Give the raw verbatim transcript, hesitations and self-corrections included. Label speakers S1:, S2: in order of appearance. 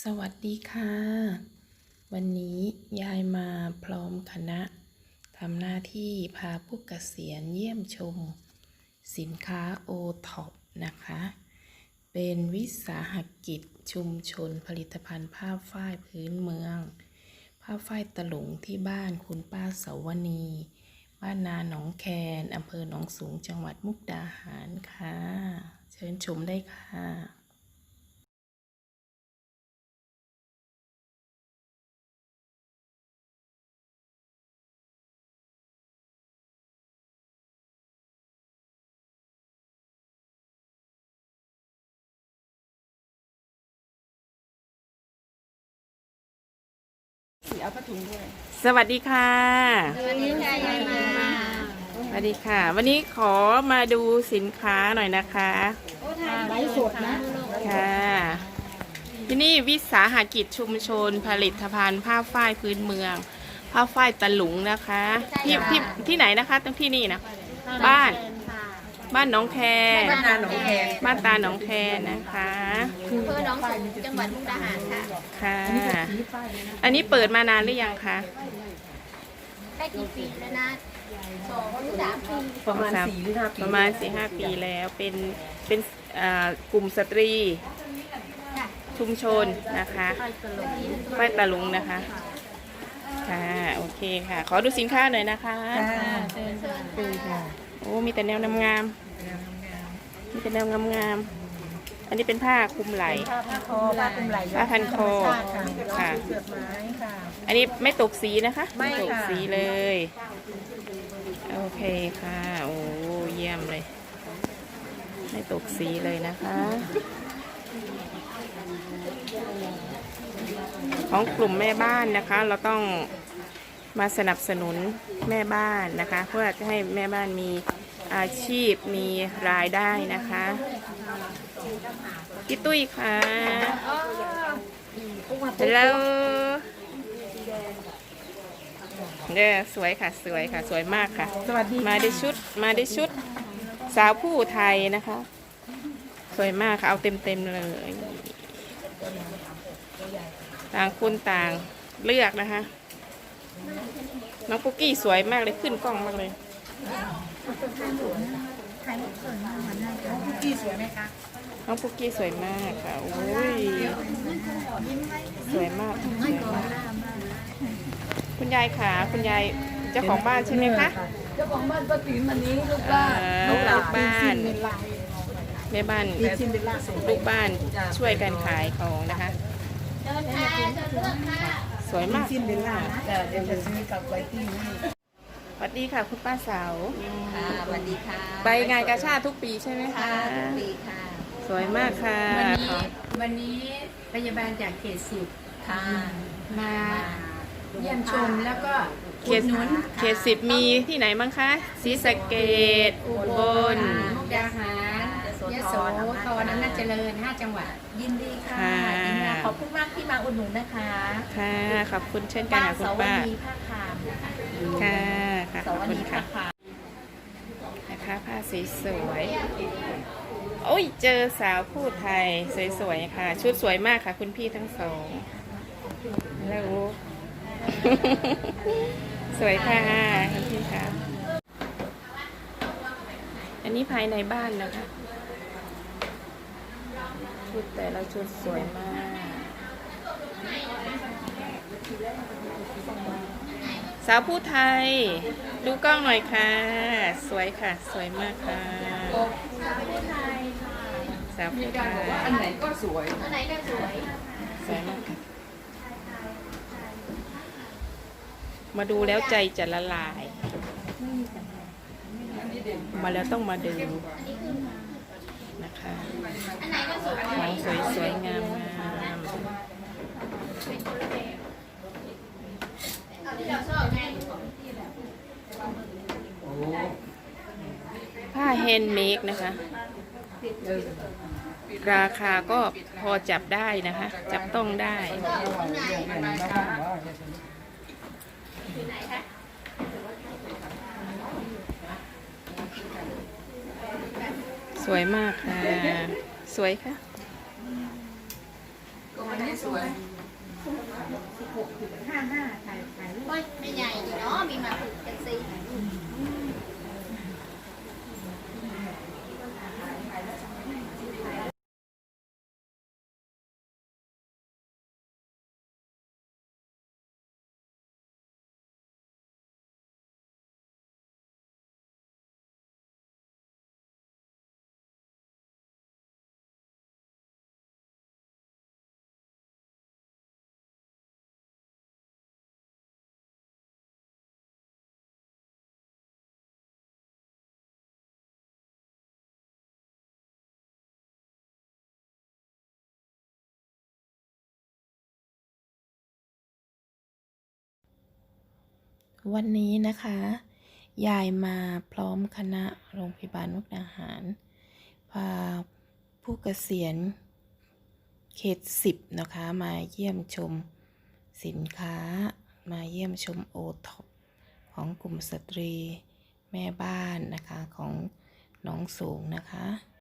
S1: สวัสดีค่ะวันนี้ยายมาพร้อมคณะทำหน้าที่พาผู้เกษียณเยี่ยมชมสินค้าโอท็อปนะคะเป็นวิสาหกิจชุมชนผลิตภัณฑ์ผ้าฝ้ายพื้นเมืองผ้าฝ้ายตะหลงที่บ้านคุณป้าเสาวณีบ้านนาหนองแคนอำเภอหนองสูงจังหวัดมุกดาหารค่ะเชิญชมได้ค่ะเอาผ้าถุงด้วยสวัสดีค่ะ
S2: สวัสดีค่ะยายมา
S1: สวัสดีค่ะวันนี้ขอมาดูสินค้าหน่อยนะคะ
S2: ไลฟ์สดนะ
S1: ค่ะที่นี่วิสาหกิจชุมชนผลิตภัณฑ์ผ้าฝ้ายพื้นเมืองผ้าฝ้ายตะหลุงนะคะที่ที่ที่ไหนนะคะตรงที่นี่นะบ้านบ้านหนองแคบ้านตาหนองแคบ้านตาหนองแคนะคะ
S2: อำเภอหนองสูงจังหวัดมุกดาหารค่ะ
S1: ค่ะอันนี้เปิดมานานหรือยังคะ
S2: ได้กี่ปีแล้วนะสองหรือสามปี
S1: ประมาณสี่หรือห้าปีประมาณสี่ห้าปีแล้วเป็นเป็นกลุ่มสตรีชุมชนนะคะฝ้ายตะลุงนะคะค่ะโอเคค่ะขอดูสินค้าหน่อยนะคะ
S2: เชิญเชิญค่ะ
S1: โอ้มีแต่แนวงามๆมีแต่แนวงามๆอันนี้เป็นผ้าคลุมไหล่
S2: ผ้าคอผ้าคลุมไหล่
S1: ผ้าพันคอค่ะอันนี้ไม่ตกสีนะคะไม่ตกสีเลยโอเคค่ะโอ้เยี่ยมเลยไม่ตกสีเลยนะคะของกลุ่มแม่บ้านนะคะเราต้องมาสนับสนุนแม่บ้านนะคะเพื่อจะให้แม่บ้านมีอาชีพมีรายได้นะคะพี่ตุ้ยค่ะแล้วเนี่ยสวยค่ะสวยค่ะสวยมากค่ะสวัสดีมาได้ชุดมาได้ชุดสาวผู้ไทยนะคะสวยมากค่ะเอาเต็มเต็มเลยต่างคนต่างเลือกนะคะน้องปุ๊กกี้สวยมากเลยขึ้นกล้องมากเลยน้องปุ๊กกี้สวยไหมคะน้องปุ๊กกี้สวยมากค่ะโอ้ยสวยมากคุณยายค่ะคุณยายเจ้าของบ้านใช่ไหมคะ
S3: เจ้าของบ้านป้าติ๋มวันนี้ลูกบ้าน
S1: ลูกบ้านแม่บ้านลูกบ้านช่วยกันขายของนะคะสวยมาก
S3: ซินเดล่านะเดี๋ยวจะซื้อกับไวตี้นี่
S1: สวัสดีค่ะคุณป้าสาว
S2: ค่ะสวัสดีค่ะ
S1: ไปงานกาชาดทุกปีใช่ไหมคะ
S2: ทุกปีค่ะ
S1: สวยมากค่ะ
S4: วันนี้วันนี้พยาบาลจากเขตสิบ
S2: ค่ะ
S4: มาเยี่ยมชมแล้วก็
S1: เขตนุนเขตสิบมีที่ไหนบ้างคะศรีสะเกษอุบล
S4: มุกดาหารยโสธรอำนาจเจริญห้าจังหวัด
S2: ยินดีค่ะยินดีขอบคุณมากที่มาอุดหนุนนะคะ
S1: ค่ะขอบคุณเช่นกันค่ะคุณป้า
S2: ผ้าคาม
S1: ค่ะค่ะขอบคุณค่ะนะคะผ้าสีสวยโอ้ยเจอสาวผู้ไทยสวยๆค่ะชุดสวยมากค่ะคุณพี่ทั้งสองแล้วสวยค่ะคุณพี่ค่ะอันนี้ภายในบ้านนะคะชุดแต่ละชุดสวยมากสาวผู้ไทยดูกล้องหน่อยค่ะสวยค่ะสวยมากค่ะสาวผู้ไทย
S3: อันไหนก็สวย
S2: อันไหนก็สวย
S1: สวยมากค่ะมาดูแล้วใจจะละลายมาแล้วต้องมาดูนะคะของสวยสวยงามงามผ้าแฮนด์เมดนะคะราคาก็พอจับได้นะคะจับต้องได้สวยมากค่ะสวยค่ะ
S3: อันนี้สวย
S4: สิบหกถึงห้าห้าถ่ายถ่ายรูป
S2: โอ้ยไม่ใหญ่อยู่เนาะมีมาผูกกันสิ
S1: วันนี้นะคะ ยายมาพร้อมคณะโรงพยาบาลมุกดาหาร พาผู้เกษียณเขตสิบนะคะมาเยี่ยมชมสินค้ามาเยี่ยมชมโอท็อปของกลุ่มสตรีแม่บ้านนะคะของหนองสูงนะคะ